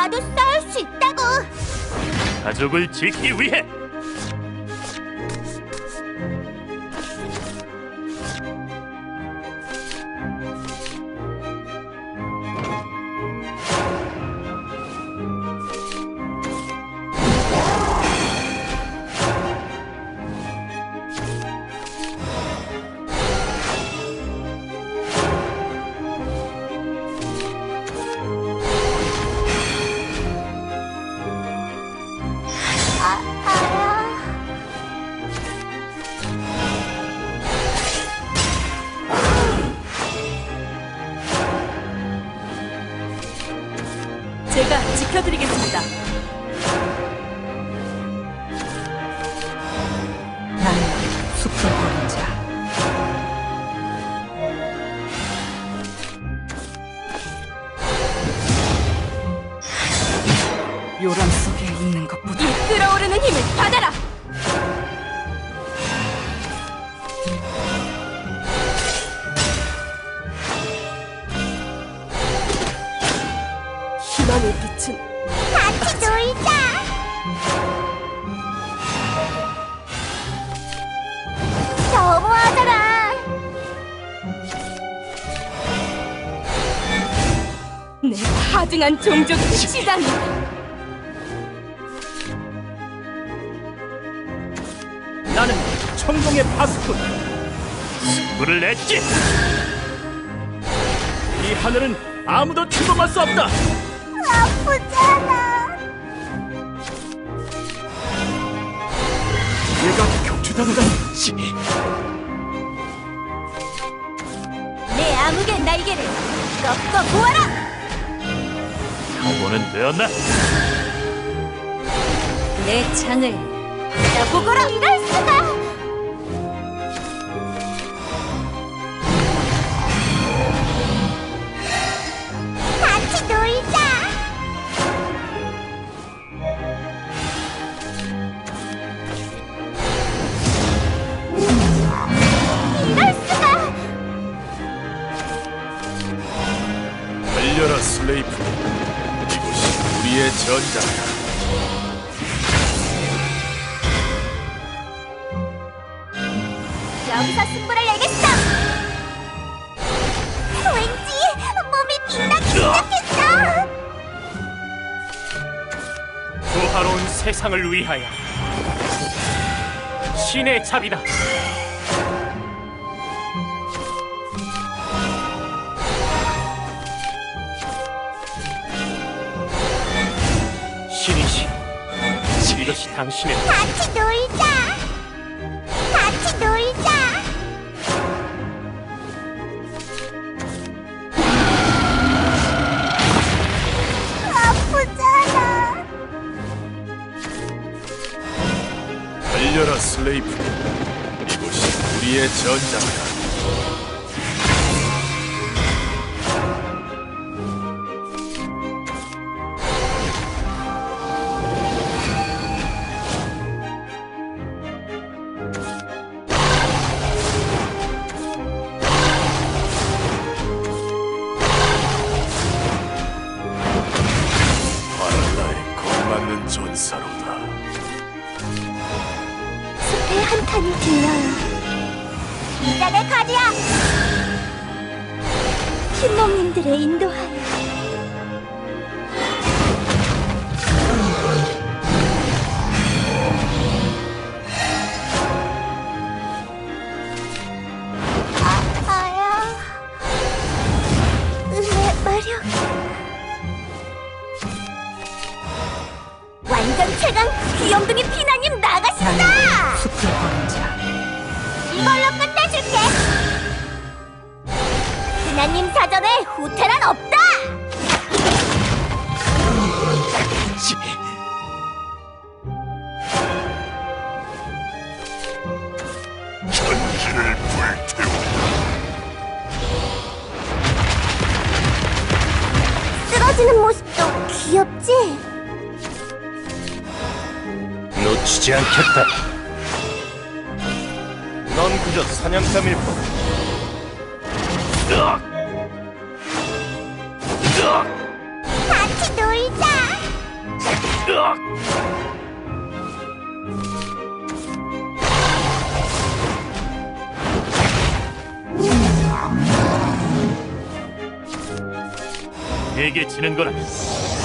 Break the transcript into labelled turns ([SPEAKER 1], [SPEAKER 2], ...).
[SPEAKER 1] 나도 싸울 수 있다고!
[SPEAKER 2] 가족을 지키기 위해!
[SPEAKER 3] 제가 지켜드리겠습니다.
[SPEAKER 4] 나는 숲을 보는 자. 요람 속에 있는 것보다
[SPEAKER 3] 이 끓어오르는 힘을 받아라! 희망의 빛은
[SPEAKER 1] 같이 놀자! 너무하잖아!
[SPEAKER 3] 내가 하등한 종족의 시장이
[SPEAKER 2] 나는 청동의 파수꾼! 승부를 냈지! 이 하늘은 아무도 침범할 수 없다!
[SPEAKER 1] 아프잖아!
[SPEAKER 2] 내가 격추당한 지
[SPEAKER 1] 내 암흑의 날개를 꺾어 보아라!
[SPEAKER 2] 각오는 되었나?
[SPEAKER 1] 내 창을 보거라! 이럴 수가! 같이 놀자! 이럴 수가!
[SPEAKER 2] 달려라 슬레이프, 이곳이 우리의 전장이다.
[SPEAKER 1] 여기서 승부를 내겠어! 왠지 몸이 빛나기 시작했어!
[SPEAKER 2] 조화로운 세상을 위하여 신의 잡이다. 신이시, 이것이 당신의
[SPEAKER 1] 같이 놀자! 같이 놀자! 아프잖아!
[SPEAKER 2] 달려라 슬레이프, 이곳이 우리의 전장이다. 바랄라에 걸맞는 전사로다.
[SPEAKER 1] 숲의 한 칸이 들려요. 이자를 가지야! 흰몸님들의 인도하여 아야 은혜 마력 완전 최강 귀염둥이 피나님 나가신다!
[SPEAKER 4] 나는 숲을 보는 자.
[SPEAKER 1] 이걸로 끝내줄게! 피나님 사전에 후퇴란 없다!
[SPEAKER 2] 전기를 불태워
[SPEAKER 1] 쓰러지는 모습도 귀엽지?
[SPEAKER 2] 놓치지 않겠다. 넌 그저 사냥감일 뿐.
[SPEAKER 1] 같이 놀자!
[SPEAKER 2] 내게 지는 거라